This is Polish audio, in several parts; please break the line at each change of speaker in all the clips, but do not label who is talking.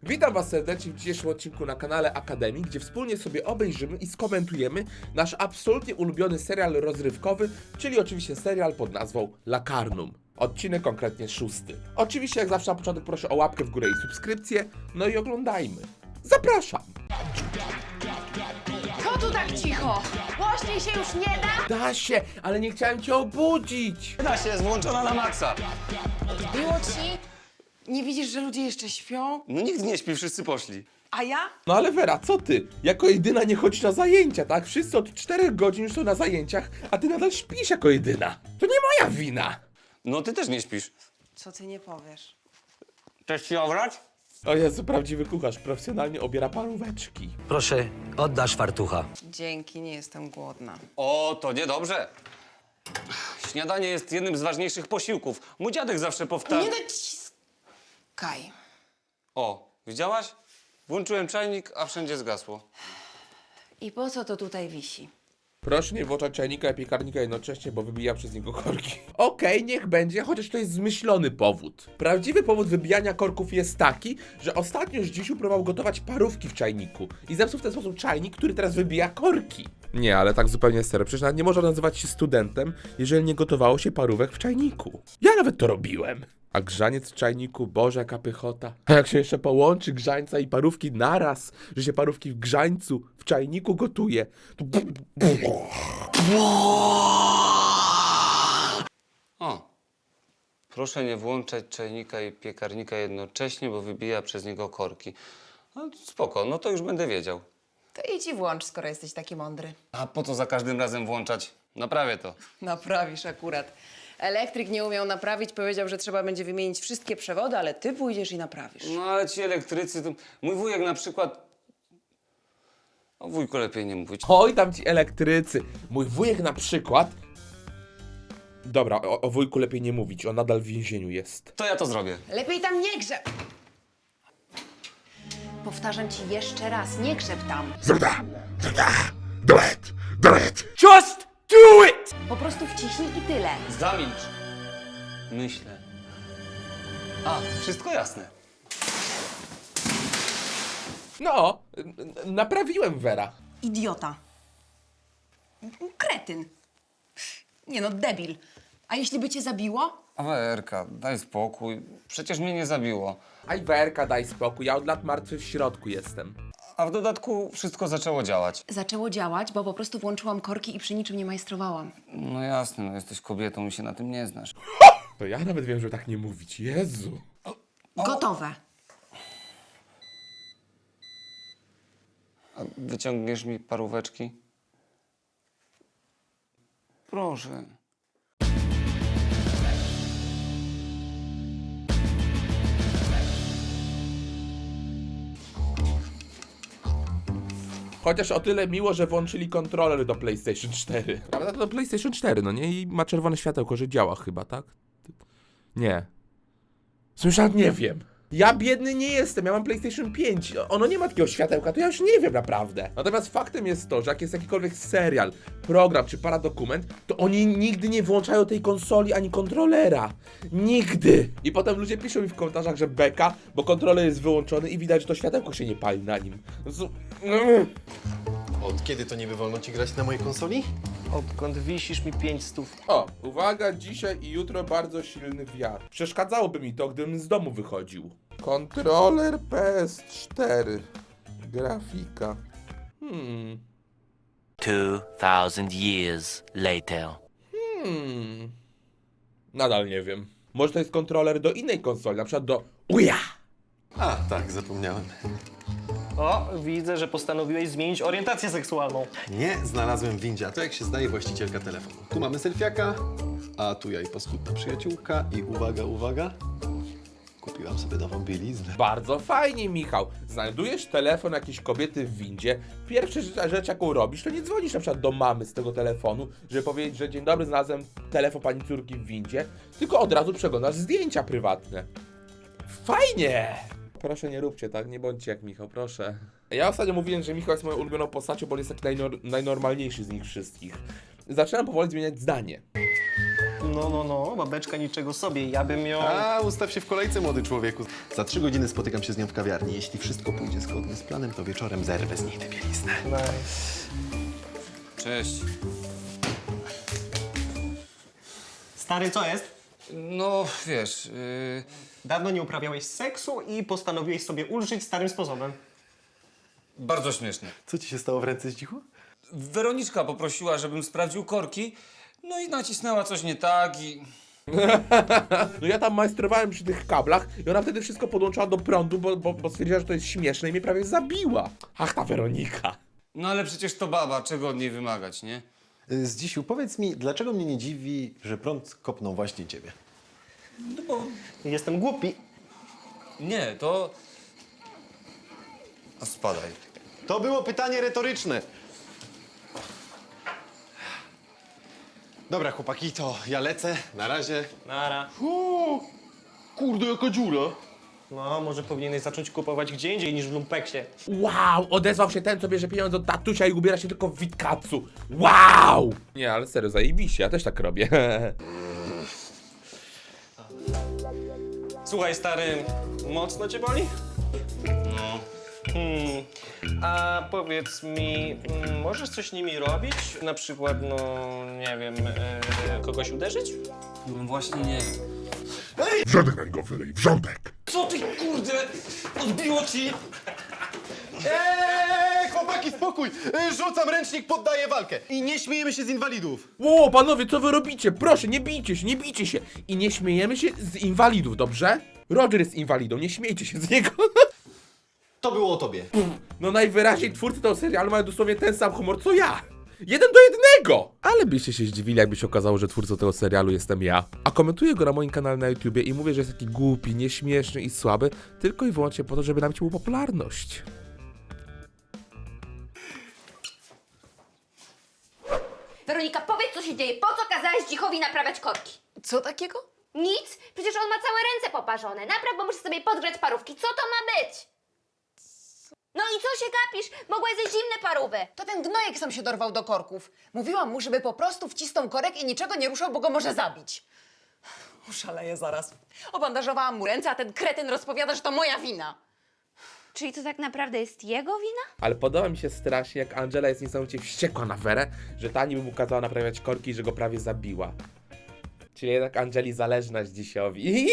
Witam was serdecznie w dzisiejszym odcinku na kanale Akademii, gdzie wspólnie sobie obejrzymy i skomentujemy nasz absolutnie ulubiony serial rozrywkowy, czyli oczywiście serial pod nazwą Lacarnum. Odcinek konkretnie 6. Oczywiście jak zawsze na początek proszę o łapkę w górę i subskrypcję, no i oglądajmy. Zapraszam!
Co tu tak cicho? Głośniej się już nie da?
Da się, ale nie chciałem cię obudzić!
Da się, jest włączona na maksa.
Odbiło ci? Nie widzisz, że ludzie jeszcze śpią?
No nikt nie śpi, wszyscy poszli.
A ja?
No ale Wera, co ty? Jako jedyna nie chodzisz na zajęcia, tak? Wszyscy od 4 godzin już są na zajęciach, a ty nadal śpisz jako jedyna. To nie moja wina!
No ty też nie śpisz.
Co ty nie powiesz?
Chcesz ci obrać?
O Jezu, prawdziwy kucharz profesjonalnie obiera paróweczki.
Proszę, oddasz fartucha.
Dzięki, nie jestem głodna.
O, to niedobrze. Śniadanie jest jednym z ważniejszych posiłków. Mój dziadek zawsze powtarza...
Nie dociskaj.
O, widziałaś? Włączyłem czajnik, a wszędzie zgasło.
I po co to tutaj wisi?
Proszę nie włączać czajnika i piekarnika jednocześnie, bo wybija przez niego korki. Okej, niech będzie, chociaż to jest zmyślony powód. Prawdziwy powód wybijania korków jest taki, że ostatnio Zdzisiu próbował gotować parówki w czajniku i zepsuł w ten sposób czajnik, który teraz wybija korki. Nie, ale tak zupełnie serio, przecież nawet nie można nazywać się studentem, jeżeli nie gotowało się parówek w czajniku. Ja nawet to robiłem. A grzaniec w czajniku, Boże, jaka pychota. A jak się jeszcze połączy grzańca i parówki naraz, że się parówki w grzańcu, w czajniku gotuje, to...
O, proszę nie włączać czajnika i piekarnika jednocześnie, bo wybija przez niego korki. No spoko, no to już będę wiedział.
To idź i włącz, skoro jesteś taki mądry.
A po co za każdym razem włączać? Naprawię to.
Naprawisz akurat. Elektryk nie umiał naprawić, powiedział, że trzeba będzie wymienić wszystkie przewody, ale ty pójdziesz i naprawisz.
No ale ci elektrycy, to... Mój wujek na przykład... O wujku lepiej nie mówić.
Oj, tam ci elektrycy. Mój wujek na przykład... Dobra, o wujku lepiej nie mówić, on nadal w więzieniu jest.
To ja to zrobię.
Lepiej tam nie grzeb! Powtarzam ci jeszcze raz, nie grzeb tam.
Do it! Just do it!
Po prostu wciśnij i tyle.
Zamilcz. Myślę. A, wszystko jasne.
No, naprawiłem, Wera.
Idiota. Kretyn. Nie no, debil. A jeśli by cię zabiło?
Awerka, daj spokój. Przecież mnie nie zabiło.
Aj, Werka, daj spokój, ja od lat martwy w środku jestem.
A w dodatku wszystko zaczęło działać.
Zaczęło działać, bo po prostu włączyłam korki i przy niczym nie majstrowałam.
No jasne, no jesteś kobietą i się na tym nie znasz.
To ja nawet wiem, że tak nie mówić, Jezu.
Gotowe.
A wyciągniesz mi paróweczki? Proszę.
Chociaż o tyle miło, że włączyli kontroler do PlayStation 4. Prawda, to do PlayStation 4, no nie? I ma czerwone światełko, że działa chyba, tak? Nie. Słyszałem, nie wiem. Ja biedny nie jestem, ja mam PlayStation 5. Ono nie ma takiego światełka, to ja już nie wiem naprawdę. Natomiast faktem jest to, że jak jest jakikolwiek serial, program czy paradokument, to oni nigdy nie włączają tej konsoli ani kontrolera. Nigdy. I potem ludzie piszą mi w komentarzach, że beka, bo kontroler jest wyłączony i widać, że to światełko się nie pali na nim.
Od kiedy to niby wolno ci grać na mojej konsoli?
Odkąd wisisz mi 500.
O, uwaga, dzisiaj i jutro bardzo silny wiatr. Przeszkadzałoby mi to, gdybym z domu wychodził. Kontroler PS4. Grafika.
2000 years later.
Nadal nie wiem. Może to jest kontroler do innej konsoli, na przykład do Uja!
A, tak, zapomniałem.
O, widzę, że postanowiłeś zmienić orientację seksualną.
Nie, znalazłem w windzie, a to jak się zdaje właścicielka telefonu. Tu mamy selfiaka, a tu ja i paskudna przyjaciółka i uwaga, uwaga, kupiłam sobie nową bieliznę.
Bardzo fajnie, Michał. Znajdujesz telefon jakiejś kobiety w windzie. Pierwsza rzecz, jaką robisz, to nie dzwonisz na przykład do mamy z tego telefonu, żeby powiedzieć, że dzień dobry, znalazłem telefon pani córki w windzie, tylko od razu przeglądasz zdjęcia prywatne. Fajnie! Proszę nie róbcie tak, nie bądźcie jak Michał, proszę. Ja ostatnio mówiłem, że Michał jest moją ulubioną postacią, bo on jest taki najnormalniejszy z nich wszystkich. Zaczynam powoli zmieniać zdanie.
No, babeczka niczego sobie. Ja bym ją...
A, ustaw się w kolejce, młody człowieku. Za 3 godziny spotykam się z nią w kawiarni. Jeśli wszystko pójdzie zgodnie z planem, to wieczorem zerwę z niej tę bieliznę.
Cześć.
Stary, co jest?
No, wiesz,
Dawno nie uprawiałeś seksu i postanowiłeś sobie ulżyć starym sposobem.
bardzo śmieszne.
Co ci się stało w ręce, Zdzichu?
Weroniczka poprosiła, żebym sprawdził korki, no i nacisnęła coś nie tak i...
No ja tam majstrowałem przy tych kablach i ona wtedy wszystko podłączała do prądu, bo stwierdziła, że to jest śmieszne i mnie prawie zabiła. Ach, ta Weronika.
No ale przecież to baba, czego od niej wymagać, nie?
Zdzisiu, powiedz mi, dlaczego mnie nie dziwi, że prąd kopnął właśnie ciebie?
No bo...
Jestem głupi.
Nie, to... A spadaj.
To było pytanie retoryczne. Dobra, chłopaki, to ja lecę. Na razie.
Nara.
Kurde, jaka dziura.
No, może powinieneś zacząć kupować gdzie indziej niż w lumpeksie.
Wow, odezwał się ten, co bierze pieniądze od tatusia i ubiera się tylko w witkacu. Wow! Nie, ale serio, zajebiście, ja też tak robię.
Słuchaj, stary, mocno cię boli?
No.
A powiedz mi, możesz coś nimi robić? Na przykład, no, nie wiem, kogoś uderzyć?
No właśnie nie.
Wrzątek na niego wylej, wrzątek!
Co ty, kurde? Odbiło ci?
Chłopaki, spokój! Rzucam ręcznik, poddaję walkę. I nie śmiejemy się z inwalidów.
Ło, panowie, co wy robicie? Proszę, nie bijcie się, nie bijcie się. I nie śmiejemy się z inwalidów, dobrze? Roger jest inwalidą, nie śmiejcie się z niego.
To było o tobie.
No najwyraźniej twórcy tego serialu mają dosłownie ten sam humor co ja. 1:1! Ale byście się zdziwili, jakby się okazało, że twórcą tego serialu jestem ja. A komentuję go na moim kanale na YouTubie i mówię, że jest taki głupi, nieśmieszny i słaby, tylko i wyłącznie po to, żeby nabić mu popularność.
Weronika, powiedz, co się dzieje. Po co kazałeś Dzichowi naprawiać korki?
Co takiego?
Nic? Przecież on ma całe ręce poparzone. Napraw, bo muszę sobie podgrzać parówki. Co to ma być? No i co się gapisz? Mogłaś zjeść zimne parówy.
To ten gnojek sam się dorwał do korków. Mówiłam mu, żeby po prostu wcisnął korek i niczego nie ruszał, bo go może zabić. Szaleję zaraz. Obandażowałam mu ręce, a ten kretyn rozpowiada, że to moja wina.
Czyli to tak naprawdę jest jego wina?
Ale podoba mi się strasznie, jak Angela jest niesamowicie wściekła na Werę, że ta niby mu kazała naprawiać korki i że go prawie zabiła. Czyli jednak Angeli zależna dzisiowi.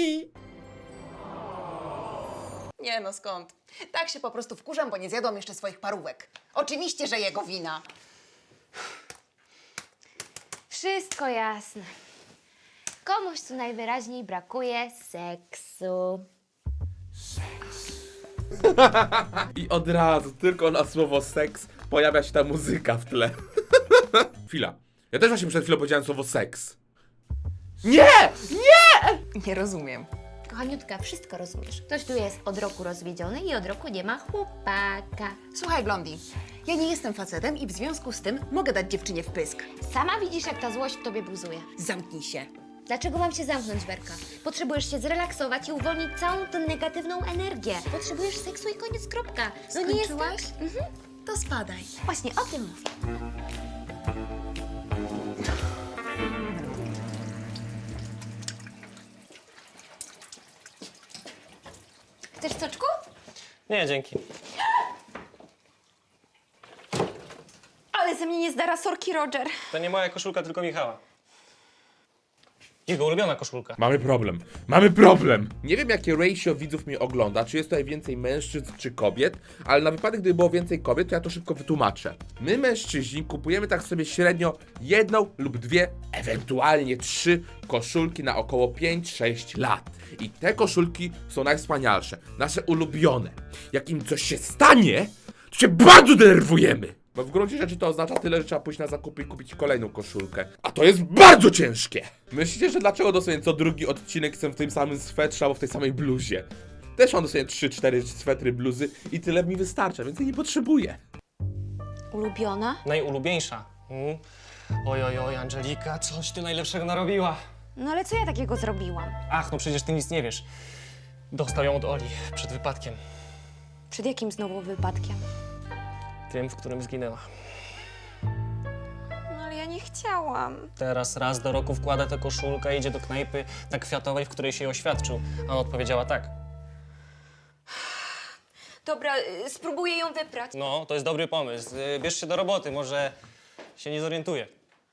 Nie no, skąd? Tak się po prostu wkurzam, bo nie zjadłam jeszcze swoich parówek. Oczywiście, że jego wina.
Wszystko jasne. Komuś tu najwyraźniej brakuje seksu.
I od razu, tylko na słowo seks, pojawia się ta muzyka w tle. Chwila. Ja też właśnie przed chwilą powiedziałem słowo seks. Nie!
Nie rozumiem.
Kochaniutka, wszystko rozumiesz. Ktoś tu jest od roku rozwiedziony i od roku nie ma chłopaka.
Słuchaj, Blondi, ja nie jestem facetem i w związku z tym mogę dać dziewczynie w pysk.
Sama widzisz, jak ta złość w tobie buzuje.
Zamknij się.
Dlaczego mam się zamknąć, Werka? Potrzebujesz się zrelaksować i uwolnić całą tę negatywną energię. Potrzebujesz seksu i koniec, kropka. No nie jest tak?
Skończyłaś? To spadaj.
Właśnie o tym mówię. Chcesz soczku?
Nie, dzięki.
Ale ze mnie nie zdara sorki, Roger.
To nie moja koszulka, tylko Michała. Jego ulubiona koszulka.
Mamy problem. Mamy problem! Nie wiem, jakie ratio widzów mnie ogląda, czy jest tutaj więcej mężczyzn, czy kobiet, ale na wypadek, gdyby było więcej kobiet, to ja to szybko wytłumaczę. My, mężczyźni, kupujemy tak sobie średnio 1 lub 2, ewentualnie 3 koszulki na około 5-6 lat. I te koszulki są najwspanialsze, nasze ulubione. Jak im coś się stanie, to się bardzo denerwujemy. Bo w gruncie rzeczy to oznacza tyle, że trzeba pójść na zakupy i kupić kolejną koszulkę. A to jest bardzo ciężkie! Myślicie, że dlaczego dosłownie co drugi odcinek jestem w tym samym swetrze albo w tej samej bluzie? Też mam dosłownie 3-4 swetry, bluzy i tyle mi wystarcza, więc ja nie potrzebuję.
Ulubiona?
Najulubieńsza. Oj, Angelika, coś ty najlepszego narobiła.
No ale co ja takiego zrobiłam?
Ach, no przecież ty nic nie wiesz. Dostał ją od Oli przed wypadkiem.
Przed jakim znowu wypadkiem?
Tym, w którym zginęła.
No ale ja nie
nie chciałam.
Teraz raz do roku wkłada tę koszulkę i idzie do knajpy na Kwiatowej, w której się oświadczył. A ona odpowiedziała tak.
Dobra, spróbuję ją wyprać.
No, to jest dobry pomysł. Bierz się do roboty, może się nie zorientuje.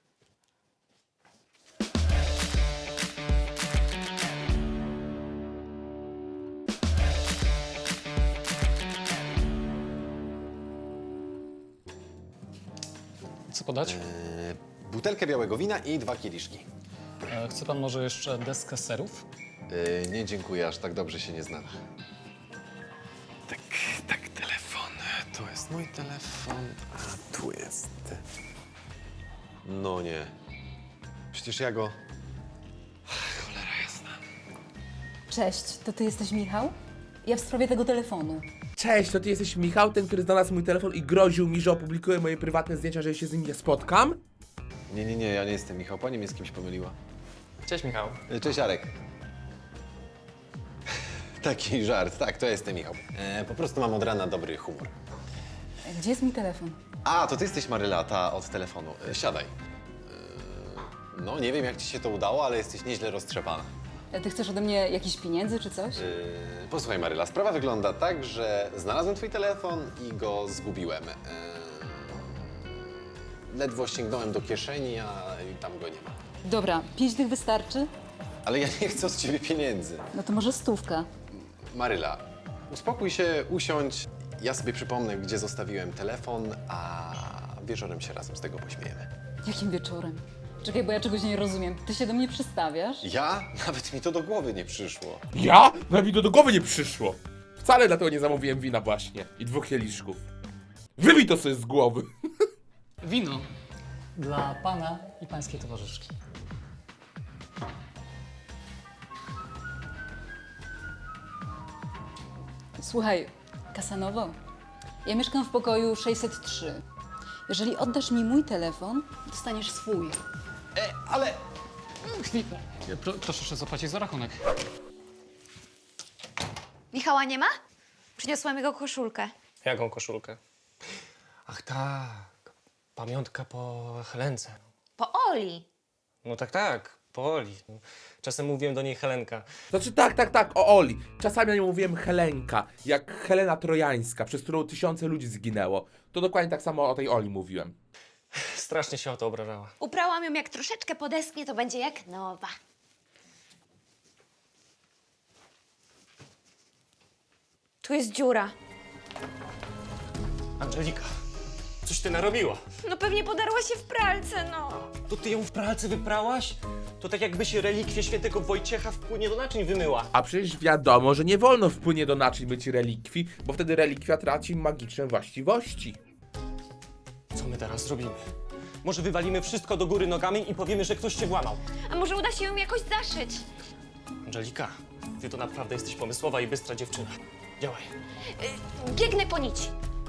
Co podać?
Butelkę białego wina i 2 kieliszki.
Chce pan może jeszcze deskę serów?
Nie dziękuję, aż tak dobrze się nie znam. Tak, telefon. To jest mój telefon, a tu jest. No nie. Przecież ja go... Cholera jasna.
Cześć, to ty jesteś Michał? Ja w sprawie tego telefonu.
Cześć, to ty jesteś Michał, ten, który znalazł mój telefon i groził mi, że opublikuję moje prywatne zdjęcia, że się z nim nie spotkam?
Nie, ja nie jestem Michał. Pani mnie z kimś pomyliła.
Cześć, Michał.
Cześć, Arek. Taki żart, tak, to jestem Michał. Po prostu mam od rana dobry humor.
Gdzie jest mój telefon?
A, to ty jesteś Maryla, ta od telefonu. Siadaj. No, nie wiem jak ci się to udało, ale jesteś nieźle roztrzepana.
Ty chcesz ode mnie jakichś pieniędzy czy coś?
Posłuchaj Maryla, sprawa wygląda tak, że znalazłem twój telefon i go zgubiłem. Ledwo sięgnąłem do kieszeni, a tam go nie ma.
Dobra, 5 tych wystarczy?
Ale ja nie chcę od ciebie pieniędzy.
No to może 100.
Maryla, uspokój się, usiądź. Ja sobie przypomnę, gdzie zostawiłem telefon, a wieczorem się razem z tego pośmiejemy.
Jakim wieczorem? Czekaj, bo ja czegoś nie rozumiem. Ty się do mnie przystawiasz?
Ja? Nawet mi to do głowy nie przyszło.
Ja? Nawet mi to do głowy nie przyszło. Wcale dlatego nie zamówiłem wina właśnie i 2 kieliszków. Wybij to sobie z głowy.
Wino. Dla pana i pańskiej towarzyszki.
Słuchaj, Kasanowo, ja mieszkam w pokoju 603. Jeżeli oddasz mi mój telefon, dostaniesz swój.
Ale...
Chwilę. Proszę jeszcze zapłacić za rachunek.
Michała nie ma? Przyniosłam jego koszulkę.
Jaką koszulkę? Ach tak, pamiątka po Helence.
Po Oli.
No tak, po Oli. Czasem mówiłem do niej Helenka.
Znaczy tak, o Oli. Czasami ja nie mówiłem Helenka, jak Helena Trojańska, przez którą tysiące ludzi zginęło. To dokładnie tak samo o tej Oli mówiłem.
Strasznie się o to obrażała.
Uprałam ją, jak troszeczkę podesknie, to będzie jak nowa. Tu jest dziura.
Angelika, coś ty narobiła.
No pewnie podarła się w pralce, no.
To ty ją w pralce wyprałaś? To tak jakbyś relikwie świętego Wojciecha w płynie do naczyń wymyła.
A przecież wiadomo, że nie wolno w płynie do naczyń myć relikwii, bo wtedy relikwia traci magiczne właściwości.
Co my teraz zrobimy? Może wywalimy wszystko do góry nogami i powiemy, że ktoś cię włamał.
A może uda się ją jakoś zaszyć?
Angelika, ty to naprawdę jesteś pomysłowa i bystra dziewczyna. Działaj.
Biegnę po nici.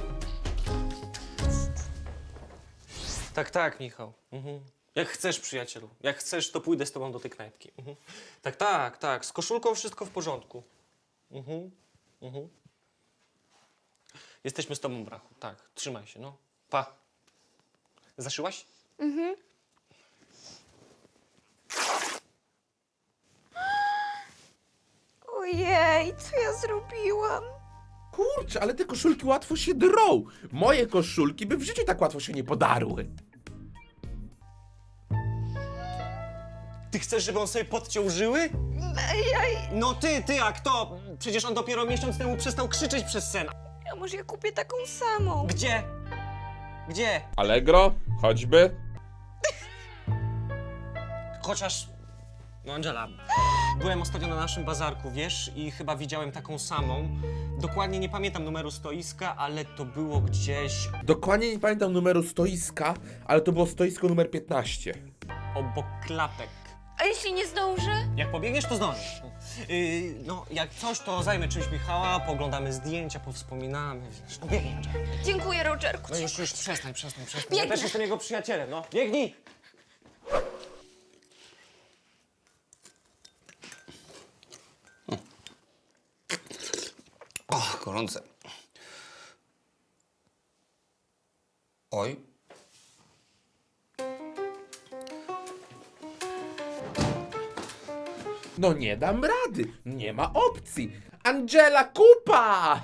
Tak, Michał. Jak chcesz, przyjacielu. Jak chcesz, to pójdę z tobą do tej knajpki. Tak. Z koszulką wszystko w porządku. Jesteśmy z tobą, brachu. Tak, trzymaj się, no. Pa. Zaszyłaś?
Ojej, co ja zrobiłam?
Kurczę, ale te koszulki łatwo się drą. Moje koszulki by w życiu tak łatwo się nie podarły.
Ty chcesz, żeby on sobie podciął żyły? No ty, a kto? Przecież on dopiero miesiąc temu przestał krzyczeć przez sen.
A może ja kupię taką samą?
Gdzie? Gdzie?
Allegro, choćby.
Chociaż... No Angela, byłem ostatnio na naszym bazarku, wiesz, i chyba widziałem taką samą. Dokładnie nie pamiętam numeru stoiska, ale to było gdzieś
Dokładnie nie pamiętam numeru stoiska, ale to było stoisko numer 15.
obok klapek.
A jeśli nie zdążę?
Jak pobiegniesz, to zdążysz. No, jak coś, to zajmę czymś Michała, pooglądamy zdjęcia, powspominamy, wiesz. No biegnij, Angela.
Dziękuję, Rogerku.
No już przestań. Ja
Biegnę.
też jestem jego przyjacielem, no. Biegnij!
O, gorące. Oj.
No nie dam rady, nie ma opcji. Angela, kupa!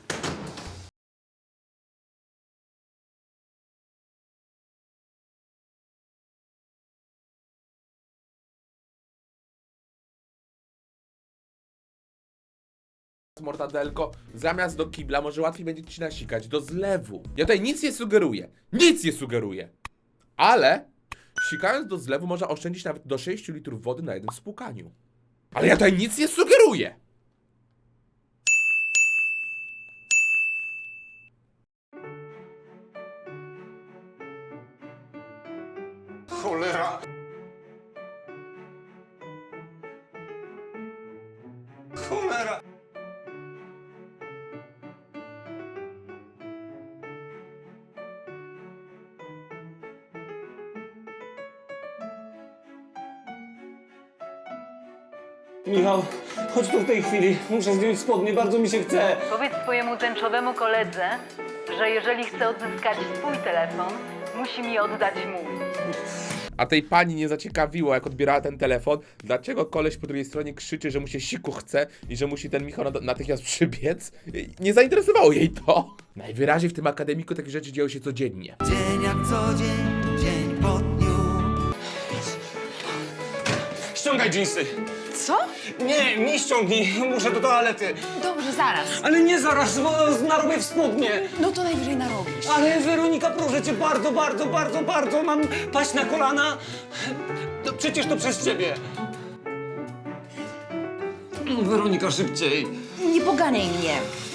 Mortadelko, zamiast do kibla może łatwiej będzie ci nasikać do zlewu. Ja tutaj nic nie sugeruję. Nic nie sugeruję. Ale sikając do zlewu można oszczędzić nawet do 6 litrów wody na jednym spłukaniu. Ale ja tutaj nic nie sugeruję.
Cholera! Cholera! Michał, chodź tu w tej chwili. Muszę zdjąć spodnie, bardzo mi się chce.
Powiedz swojemu tęczowemu koledze, że jeżeli chce odzyskać swój telefon, musi mi oddać mój.
A tej pani nie zaciekawiło, jak odbierała ten telefon, dlaczego koleś po drugiej stronie krzyczy, że mu się siku chce i że musi ten Michał natychmiast przybiec. Nie zainteresowało jej to. Najwyraźniej w tym akademiku takie rzeczy dzieją się codziennie.
Dzień jak co dzień, dzień po dniu.
Ściągaj dżinsy.
Co?
Nie ściągnij, muszę do toalety.
Dobrze, zaraz.
Ale nie zaraz, bo narobię w spodnie.
No to najwyżej narobisz.
Ale Weronika, proszę cię, bardzo, mam paść na kolana. To przecież to przez ciebie. Weronika, szybciej.
Nie poganiaj mnie.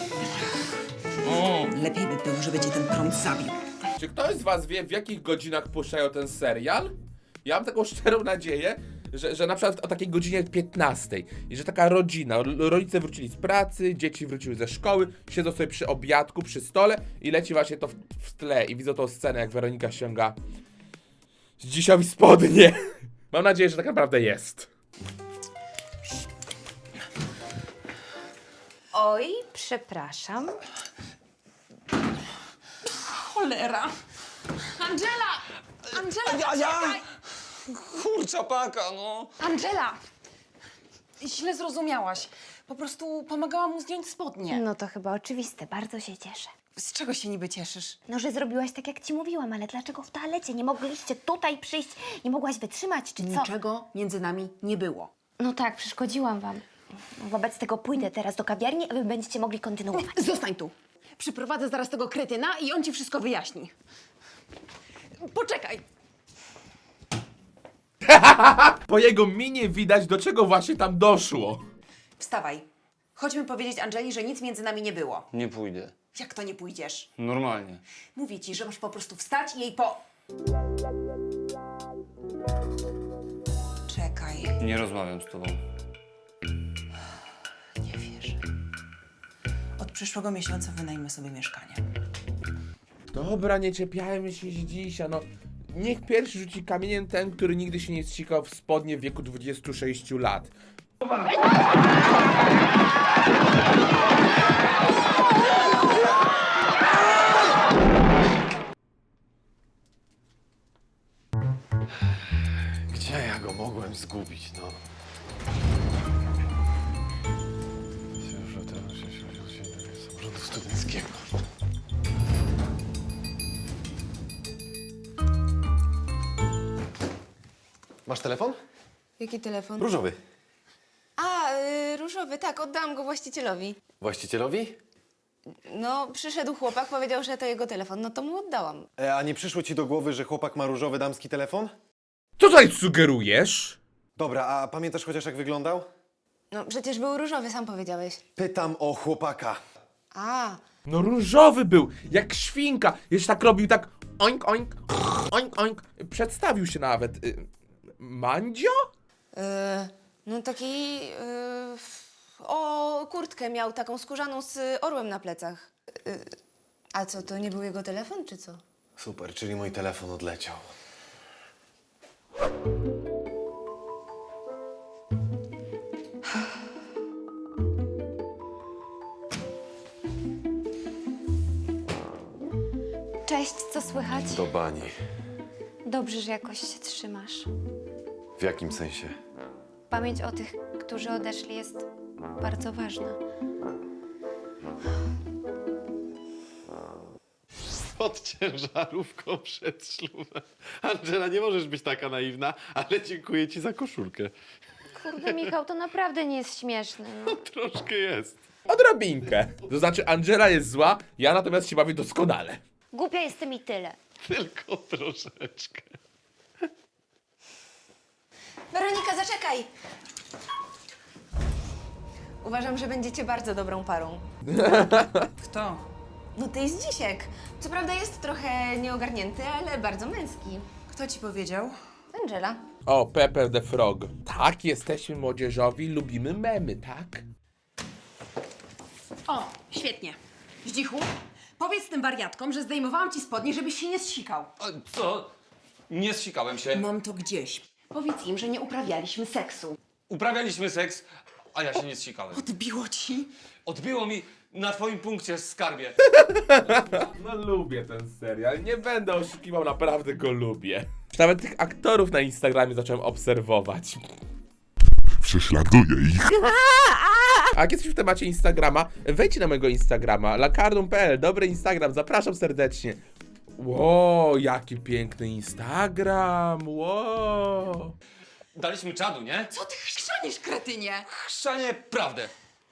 O.
Lepiej by było, żeby cię ten prąd zabił.
Czy ktoś z was wie, w jakich godzinach puszczają ten serial? Ja mam taką szczerą nadzieję, że na przykład o takiej godzinie 15 i że taka rodzina, rodzice wrócili z pracy, dzieci wróciły ze szkoły, siedzą sobie przy obiadku, przy stole i leci właśnie to w tle i widzą tą scenę, jak Weronika ściąga z dzisiowi spodnie. Mam nadzieję, że tak naprawdę jest.
Oj, przepraszam.
Cholera. Angela! Angela,
Ja! Kurczapaka, no.
Angela! Źle zrozumiałaś. Po prostu pomagałam mu zdjąć spodnie.
No to chyba oczywiste, bardzo się cieszę.
Z czego się niby cieszysz?
No, że zrobiłaś tak, jak ci mówiłam, ale dlaczego w toalecie? Nie mogliście tutaj przyjść? Nie mogłaś wytrzymać, czy co?
Niczego między nami nie było.
No tak, przeszkodziłam wam. Wobec tego pójdę teraz do kawiarni, a wy będziecie mogli kontynuować.
Zostań tu. Przyprowadzę zaraz tego kretyna i on ci wszystko wyjaśni. Poczekaj.
Po jego minie widać, do czego właśnie tam doszło.
Wstawaj. Chodźmy powiedzieć Angeli, że nic między nami nie było.
Nie pójdę.
Jak to nie pójdziesz?
Normalnie.
Mówię ci, że masz po prostu wstać i jej po... Czekaj.
Nie rozmawiam z tobą.
Nie wierzę. Od przyszłego miesiąca wynajmę sobie mieszkanie.
Dobra, nie czepiajmy się dzisiaj, no. Niech pierwszy rzuci kamieniem ten, który nigdy się nie ścigał w spodnie w wieku 26 lat.
Gdzie ja go mogłem zgubić, no? Samorządu studenckiego. Masz telefon?
Jaki telefon?
Różowy.
A, różowy, tak, oddałam go właścicielowi.
Właścicielowi?
No, przyszedł chłopak, powiedział, że to jego telefon, no to mu oddałam.
A nie przyszło ci do głowy, że chłopak ma różowy damski telefon?
Co tutaj sugerujesz?
Dobra, a pamiętasz chociaż jak wyglądał?
No, przecież był różowy, sam powiedziałeś.
Pytam o chłopaka.
A,
No różowy był, jak świnka. Jeszcze tak robił, tak oink, oink, oink, oink. Przedstawił się nawet. Mandzio?
no taki... o, kurtkę miał taką skórzaną z orłem na plecach. A co, to nie był jego telefon, czy co?
Super, czyli mój telefon odleciał.
Cześć, co słychać?
Do bani.
Dobrze, że jakoś się trzymasz.
W jakim sensie?
Pamięć o tych którzy odeszli, jest bardzo ważna.
Pod ciężarówką przed ślubem. Angela, nie możesz być taka naiwna, ale dziękuję ci za koszulkę.
Kurde, Michał, to naprawdę nie jest śmieszne. No.
Troszkę jest.
Odrobinkę. To znaczy, Angela jest zła, ja natomiast się bawię doskonale.
Głupia jestem i tyle.
Tylko troszeczkę.
Weronika, zaczekaj! Uważam, że będziecie bardzo dobrą parą.
Kto?
No ty jest Dzisiek. Co prawda jest trochę nieogarnięty, ale bardzo męski.
Kto ci powiedział?
Angela.
O, Pepper the Frog. Tak, jesteśmy młodzieżowi, lubimy memy, tak?
O, świetnie. Zdzichu, powiedz tym wariatkom, że zdejmowałam ci spodnie, żebyś się nie zsikał.
Co? Nie zsikałem się.
Mam to gdzieś. Powiedz im, że nie uprawialiśmy seksu.
Uprawialiśmy seks, a ja się nie zsikałem.
Odbiło ci?
Odbiło mi na twoim punkcie, skarbie.
No lubię ten serial, nie będę oszukiwał, naprawdę go lubię. Nawet tych aktorów na Instagramie zacząłem obserwować.
Prześladuję ich.
A jak jesteś w temacie Instagrama, wejdź na mojego Instagrama, lakardum.pl, dobry Instagram, zapraszam serdecznie. Ło, jaki piękny Instagram, ło.
Daliśmy czadu, nie?
Co ty chrzanisz, kretynie?
Chrzanie prawdę.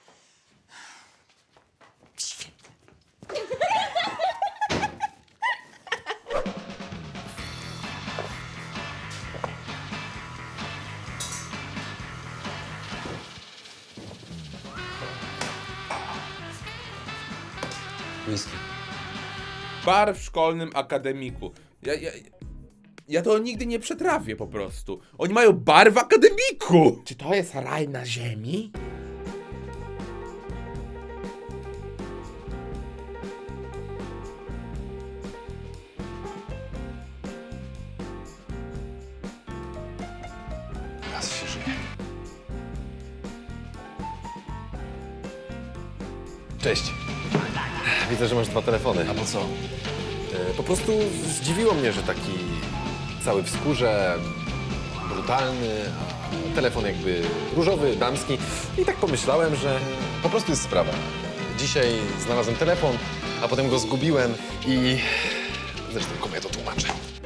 Whisky.
Bar w szkolnym akademiku. Ja to nigdy nie przetrawię po prostu. Oni mają bar w akademiku! Czy to jest raj na ziemi?
Raz się żyje. Cześć. Widzę, że masz 2 telefony. A po co? Po prostu zdziwiło mnie, że taki cały w skórze, brutalny, a telefon jakby różowy, damski. I tak pomyślałem, że po prostu jest sprawa. Dzisiaj znalazłem telefon, a potem go zgubiłem i zresztą komu ja to tłumaczę.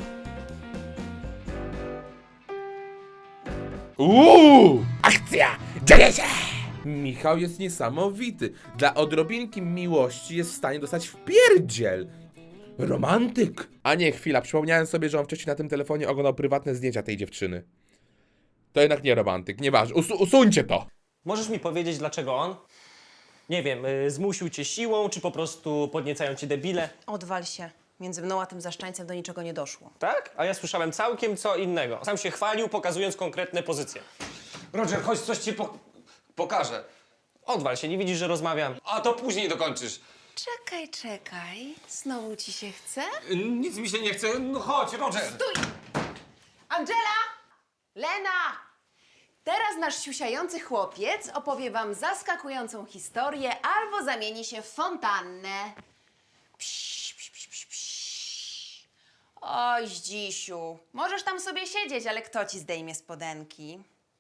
Akcja! Dzieje się! Michał jest niesamowity. Dla odrobinki miłości jest w stanie dostać wpierdziel. Romantyk. A nie, chwila, przypomniałem sobie, że on wcześniej na tym telefonie oglądał prywatne zdjęcia tej dziewczyny. To jednak nie romantyk, nieważne. Usuńcie to!
Możesz mi powiedzieć, dlaczego on? Nie wiem, zmusił cię siłą, czy po prostu podniecają cię debile?
Odwal się. Między mną a tym zaszczańcem do niczego nie doszło.
Tak? A ja słyszałem całkiem co innego. Sam się chwalił, pokazując konkretne pozycje.
Roger, chodź, coś ci pokażę.
Odwal się, nie widzisz, że rozmawiam.
A to później dokończysz.
Czekaj. Znowu ci się chce?
Nic mi się nie chce. No chodź, Roger.
Angela! Lena! Teraz nasz siusiający chłopiec opowie wam zaskakującą historię albo zamieni się w fontannę. Psz, psz, psz, psz, psz. Oj, Zdzisiu, możesz tam sobie siedzieć, ale kto ci zdejmie spodenki?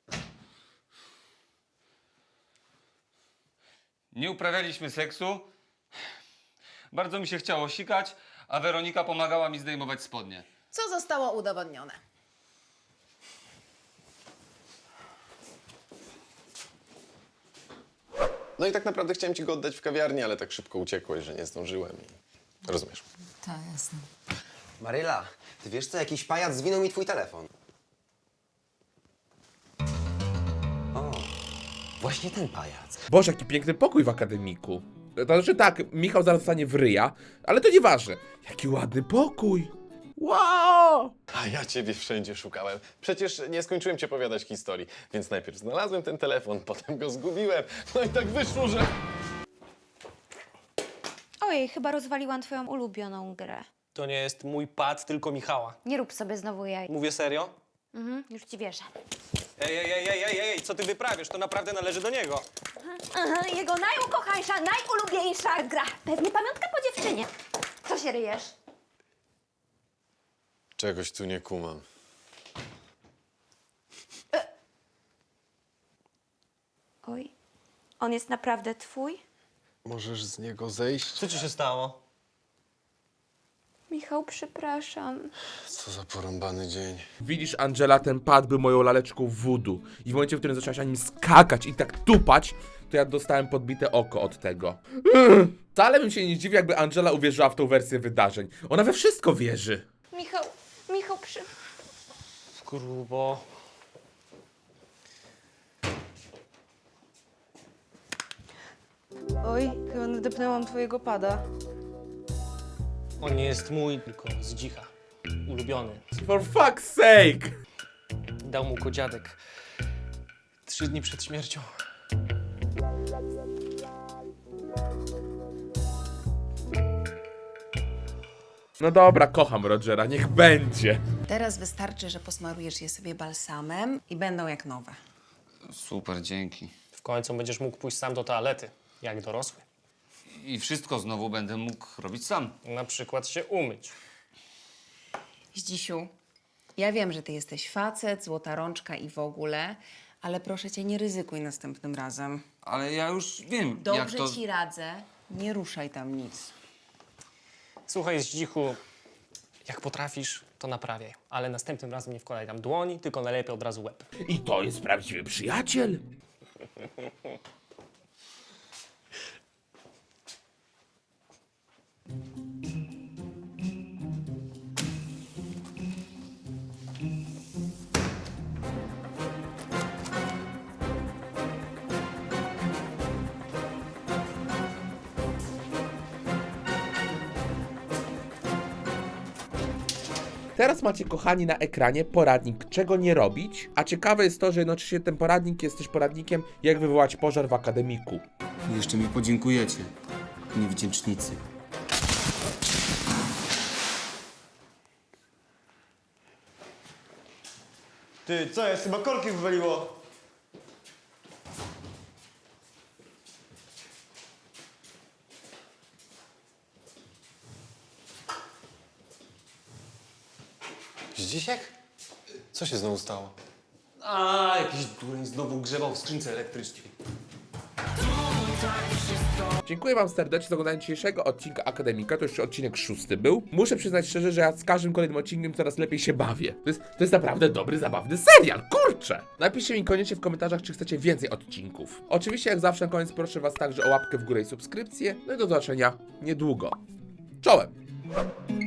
Nie uprawialiśmy seksu. Bardzo mi się chciało sikać, a Weronika pomagała mi zdejmować spodnie.
Co zostało udowodnione?
No i tak naprawdę chciałem ci go oddać w kawiarni, ale tak szybko uciekłeś, że nie zdążyłem i... Rozumiesz.
Tak, jasne.
Maryla, ty wiesz co? Jakiś pajac zwinął mi twój telefon. O, właśnie ten pajac.
Boże, jaki piękny pokój w akademiku. To znaczy tak, Michał zaraz zostanie w ryja, ale to nieważne. Jaki ładny pokój. Wow!
A ja ciebie wszędzie szukałem. Przecież nie skończyłem ci opowiadać historii. Więc najpierw znalazłem ten telefon, potem go zgubiłem. No i tak wyszło, że...
Ojej, chyba rozwaliłam twoją ulubioną grę.
To nie jest mój pad, tylko Michała.
Nie rób sobie znowu jaj.
Mówię serio?
Już ci wierzę.
Ej, co ty wyprawiasz? To naprawdę należy do niego.
Aha, jego najukochańsza, najulubieńsza gra. Pewnie pamiątka po dziewczynie. Co się ryjesz?
Czegoś tu nie kumam.
Oj, on jest naprawdę twój?
Możesz z niego zejść?
Co ci się stało?
Michał, przepraszam.
Co za porąbany dzień.
Widzisz, Angela, ten pad był moją laleczką voodoo. I w momencie, w którym zaczęłaś na nim skakać i tak tupać, to ja dostałem podbite oko od tego. Wcale bym się nie dziwił, jakby Angela uwierzyła w tą wersję wydarzeń. Ona we wszystko wierzy.
Michał,
Grubo.
Oj, chyba nadepnęłam twojego pada.
On nie jest mój, tylko z dzicha. Ulubiony.
For fuck's sake!
Dał mu go dziadek 3 dni przed śmiercią.
No dobra, kocham Rogera, niech będzie.
Teraz wystarczy, że posmarujesz je sobie balsamem i będą jak nowe.
Super, dzięki.
W końcu będziesz mógł pójść sam do toalety, jak dorosły.
I wszystko znowu będę mógł robić sam.
Na przykład się umyć.
Zdzisiu, ja wiem, że ty jesteś facet, złota rączka i w ogóle, ale proszę cię, nie ryzykuj następnym razem.
Ale ja już wiem,
Dobrze
jak to...
ci radzę, nie ruszaj tam nic.
Słuchaj, Zdzichu, jak potrafisz, to naprawiaj. Ale następnym razem nie wkładaj tam dłoni, tylko najlepiej od razu łeb.
I to jest prawdziwy przyjaciel. Teraz macie, kochani, na ekranie poradnik, czego nie robić, a ciekawe jest to, że jednocześnie ten poradnik jest też poradnikiem, jak wywołać pożar w akademiku.
Jeszcze mi podziękujecie, niewdzięcznicy.
Ty, co jest? Chyba korki wywaliło.
Zdzisiek? Co się znowu stało?
A, jakiś dureń znowu grzebał w skrzynce elektrycznej.
Dziękuję wam serdecznie za oglądanie dzisiejszego odcinka Akademika, to już odcinek 6 był. Muszę przyznać szczerze, że ja z każdym kolejnym odcinkiem coraz lepiej się bawię. To jest naprawdę dobry, zabawny serial, kurczę! Napiszcie mi koniecznie w komentarzach, czy chcecie więcej odcinków. Oczywiście, jak zawsze na koniec proszę was także o łapkę w górę i subskrypcję. No i do zobaczenia niedługo. Czołem!